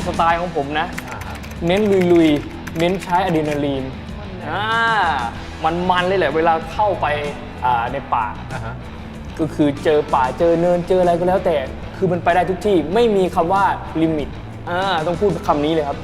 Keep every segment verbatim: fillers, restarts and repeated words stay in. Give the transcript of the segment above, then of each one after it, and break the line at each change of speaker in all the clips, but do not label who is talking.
สไตล์ของผมนะเน้นลุยๆเน้นใช้อะดรีนาลีนอ่ามันๆเลยแหละเวลาเข้าไปในป่าก็คือเจอป่าเจอเนินเจออะไรก็แล้วแต่คือมันไปได้ทุกที่ไม่มีคำว่าลิมิตอ่าต้องพูดคำนี้เลยครับ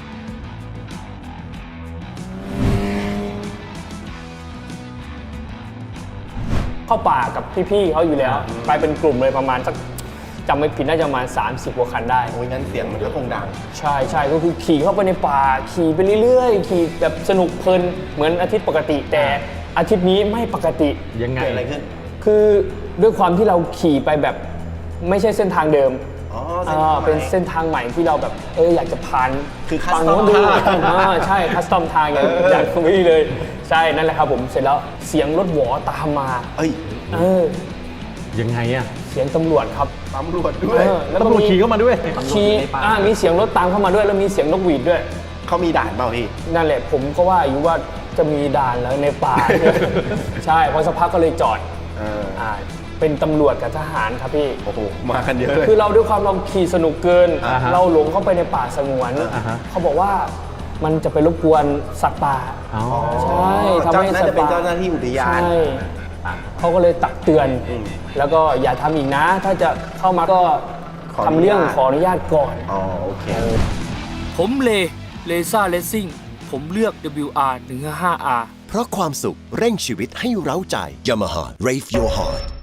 เข้าป่ากับพี่ๆเขาอยู่แล้วไปเป็นกลุ่มเลยประมาณสักจำไม่ผิดน่าจะประมาณสามสิบกว่าคันได้
โอ้ยงั้นเสียงมันก็คงดัง
ใช่ใช่ก็คือขี่เข้าไปในป่าขี่ไปเรื่อยๆขี่แบบสนุกเพลินเหมือนอาทิตย์ปกติแต่อาทิตย์นี้ไม่ปกติ
ยังไง
อะไรขึ้น
คือด้วยความที่เราขี่ไปแบบไม่ใช่เส้นทางเดิม
อ๋อ
เป็นเส้นทางใหม่ที่เราแบบเอออยากจะผ่าน
คือคัสตอมทาง
ใช่คัสตอมทางอย่างอย่างนี้เลยใช่นั่นแหละครับผมเสร็จแล้วเสียงรถหวอตามมา
เอ้ย
เออ
ยังไงอะ
เสียงตำรวจครับ
ตำรวจด้วย
แล้วตำรวจขี่เข้ามาด้วย
ขี่อ่ามีเสียงรถตามเข้ามาด้วยแล้วมีเสียงนกหวีดด้วย
เขามีด่านเปล่าพี่
นั่นแหละผมก็ว่าอยู่ว่าจะมีด่านแล้วในป่าใช่พอสักพักก็เลยจอดอ่าเป็นตำรวจกับทหารครับพี่
โอ้โหมากันเยอะเลย
คือเราด้วยความเราขี่สนุกเกินเราหลงเข้าไปในป่าสงวนเขาบอกว่ามันจะไปรบกวนสัตว์ป่าใช่ทำให้
สัตว์ป่าเป็นเจ้าหน้าที่อุทยาน
เขาก็เลยตักเตือนแล้วก็อย่าทำอีกนะถ้าจะเข้ามาก็ทำเรื่องขออนุญาตก่อน
อ๋อโอเค
ผมเลเลซ่าเลสซิ่งผมเลือก ดับเบิลยู อาร์ หนึ่งห้าห้า อาร์
เพราะความสุขเร่งชีวิตให้เร้าใจ Yamaha Rave Your Heart